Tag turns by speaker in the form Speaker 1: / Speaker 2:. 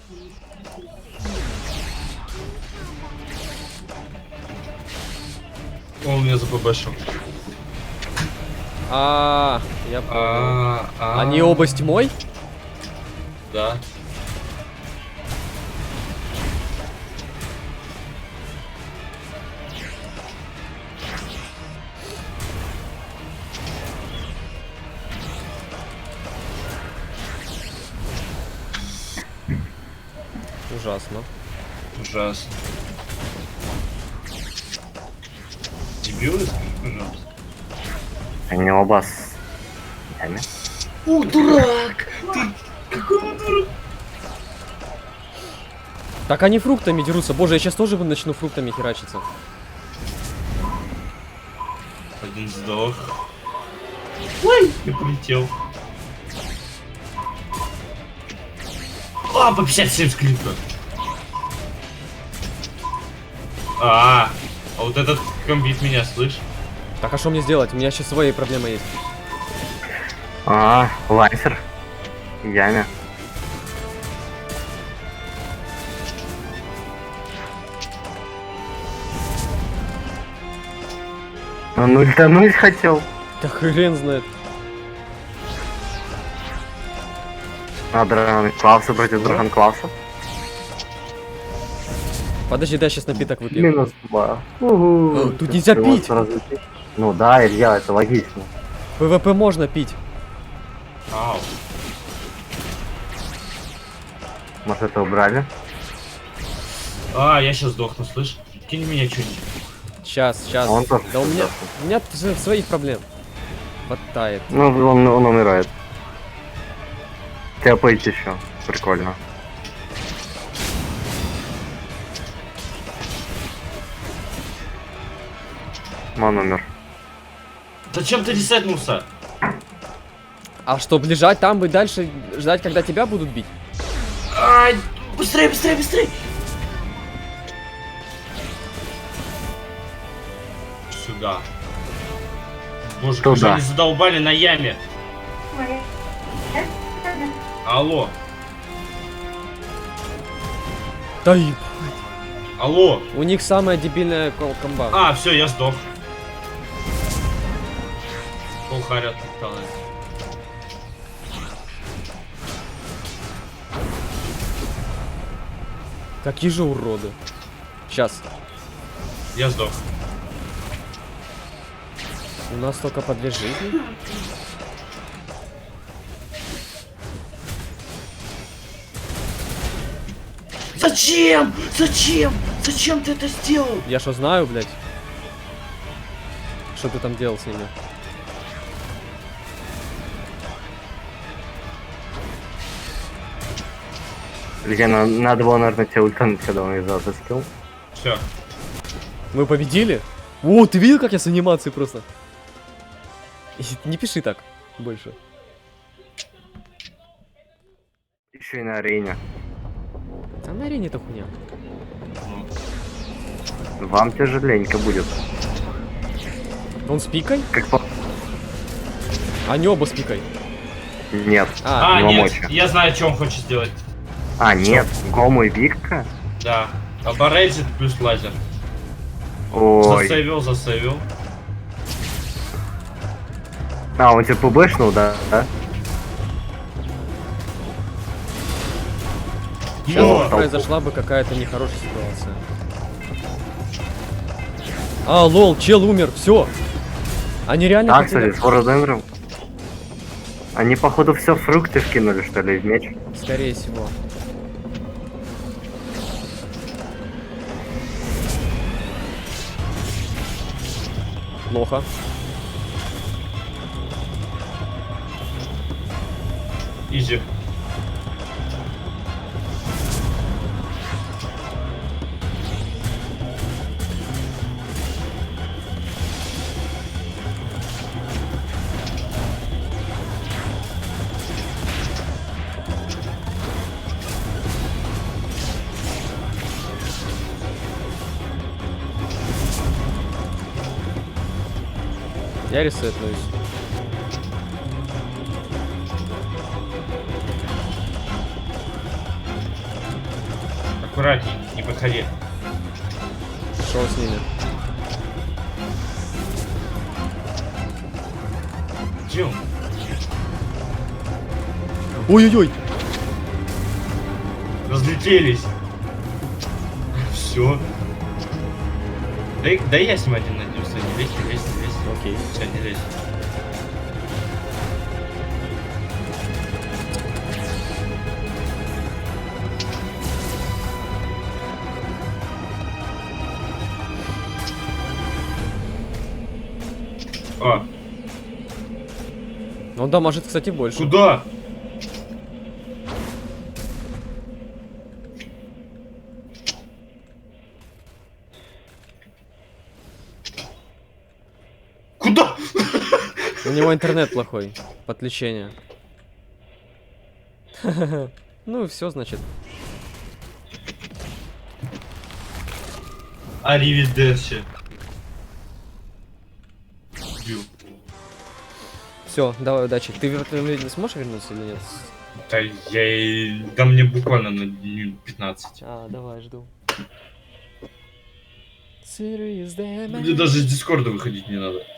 Speaker 1: Он меня запбшил.
Speaker 2: Я понял. Они оба с тьмой?
Speaker 1: Да.
Speaker 2: Ужасно.
Speaker 1: Ужасно. Дебилы, скажи, пожалуйста.
Speaker 3: Они оба с... ями.
Speaker 1: О, дурак! Ты какой он дурак?
Speaker 2: Так они фруктами дерутся. Боже, я сейчас тоже начну фруктами херачиться.
Speaker 1: Один сдох. Ой, я полетел. По 57 скрипка. А вот этот комбит меня, слышь?
Speaker 2: Так, а что мне сделать? У меня сейчас свои проблемы есть.
Speaker 3: Лансер. Яме. Он ультануть хотел.
Speaker 2: Да хрен знает.
Speaker 3: Драгон Клауса против Драгон Клауса.
Speaker 2: Подожди, дай сейчас напиток выпью.
Speaker 3: Минус 2.
Speaker 2: Тут нельзя пить.
Speaker 3: Ну да, Илья, это логично.
Speaker 2: ПВП можно пить.
Speaker 1: Ау.
Speaker 3: Может, это убрали?
Speaker 1: Я сейчас сдохну, слышь? Кинь меня что-нибудь.
Speaker 2: Сейчас.
Speaker 3: Он тоже
Speaker 2: Да у меня
Speaker 3: сдохнет.
Speaker 2: своих проблем хватает.
Speaker 3: Ну, он умирает. Тяпать еще. Прикольно. Он умер.
Speaker 1: Зачем ты ресетнулся?
Speaker 2: А что, лежать там и дальше ждать, когда тебя будут бить?
Speaker 1: Быстрее, быстрее, быстрее! Сюда. Боже, как же
Speaker 3: Туда.
Speaker 1: они задолбали на яме. Алло,
Speaker 2: Да и...
Speaker 1: алло.
Speaker 2: У них самая дебильная комба.
Speaker 1: Все, я сдох. Полхаря отталкивает.
Speaker 2: Какие же уроды. Сейчас.
Speaker 1: Я сдох.
Speaker 2: У нас только по 2 жизни.
Speaker 1: Зачем? Зачем? Зачем ты это сделал?
Speaker 2: Я что знаю, блядь? Что ты там делал с ними?
Speaker 3: Илья, надо было, наверное, тебе ультануть, когда он из-за скилл.
Speaker 1: Все.
Speaker 2: Мы победили? О, ты видел, как я с анимацией просто? Не пиши так больше.
Speaker 3: Еще и на арене.
Speaker 2: А на арене это хуйня.
Speaker 3: Вам тяжеленько будет.
Speaker 2: Он с пикой?
Speaker 3: Как по...
Speaker 2: Они оба с пикой.
Speaker 3: Нет.
Speaker 1: Нет,
Speaker 3: мочи.
Speaker 1: я знаю, что он хочет сделать.
Speaker 3: Нет. Гому и Викка?
Speaker 1: Да. Аборейджит плюс лазер.
Speaker 3: Ой.
Speaker 1: Засейвил.
Speaker 3: Он тебя пбшнул, да?
Speaker 2: Сейчас произошла бы какая-то нехорошая ситуация. Лол, чел умер, все. Они реально хотели...
Speaker 3: Кстати, с Форденером. Они, походу, все фрукты вкинули, что ли, в меч.
Speaker 2: Скорее всего. Плохо.
Speaker 1: Изи.
Speaker 2: Я ресетнусь.
Speaker 1: Аккуратней, не подходи.
Speaker 2: Шел с ними.
Speaker 1: Дим,
Speaker 2: Ой-ой-ой.
Speaker 1: разлетелись. Все. Дай я с ним один найдем. Стой, не лезь, не лезь, не лезь.
Speaker 2: Окей.
Speaker 1: Все, не лезь. А,
Speaker 2: Он дамажит, кстати, больше.
Speaker 1: куда? Куда?
Speaker 2: У него интернет плохой. Подключение. Ну и все, значит.
Speaker 1: Аривидерчи. Дим.
Speaker 2: Все, давай удачи. Ты в этом видео сможешь вернуться или нет?
Speaker 1: Да да мне буквально на минут 15.
Speaker 2: А, давай, жду. Serious damage.
Speaker 1: Мне даже из Дискорда выходить не надо.